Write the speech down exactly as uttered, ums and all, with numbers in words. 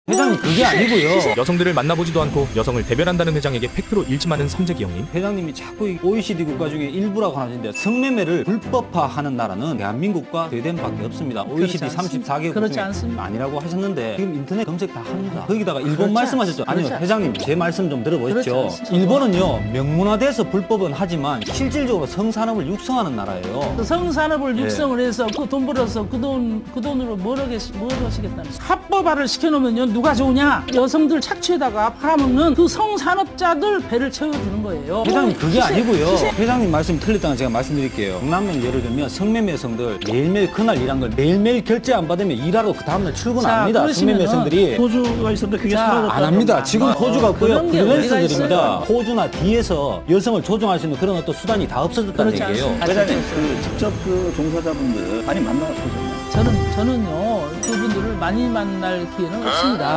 회장님 그게 아니고요. 여성들을 만나보지도 않고 여성을 대변한다는 회장에게 팩트로 일침하는 삼재기 형님. 회장님이 자꾸 이 오이시디 국가 중에 일부라고 하시는데 성매매를 불법화하는 나라는 대한민국과 스웨덴밖에 없습니다. 오이시디 삼십사 개국 그렇지 중에 않습니다. 아니라고 하셨는데 지금 인터넷 검색 다 합니다. 거기다가 일본 그렇지 말씀하셨죠? 않- 아니요 그렇지 회장님 제 말씀 좀 그렇지 들어보십시오. 않습니다. 일본은요 명문화돼서 불법은 하지만 실질적으로 성산업을 육성하는 나라예요. 그 성산업을 네. 육성을 해서 그 돈 벌어서 그 돈 그 돈으로 뭘 하겠 뭘 하시겠다는 합법화를 시켜놓으면요 누가 좋으냐? 여성들 착취에다가 팔아먹는 그 성산업자들 배를 채워주는 거예요. 회장님 그게 시세- 아니고요. 시세- 회장님 말씀이 틀렸다는 제가 말씀드릴게요. 강남면 예를 들면 성매매 여성들 매일매일 그날 일한 걸 매일매일 결제 안 받으면 일하러 그 다음날 출근 안 자, 합니다. 성매매 그러시면은 여성들이. 호주가 있었는데 그게 자, 사라졌다. 안 합니다. 지금 호주가 없고요. 그런 게 어디가 프리랜서들입니다. 있어요? 호주나 D에서 여성을 조종할 수 있는 그런 어떤 수단이 다 없어졌다는 그렇지 얘기예요. 않습니다. 회장님 그 직접 그 종사자분들 많이 만나보셨나요? 저는 저는요 그분들을 많이 만날 기회는 없습니다.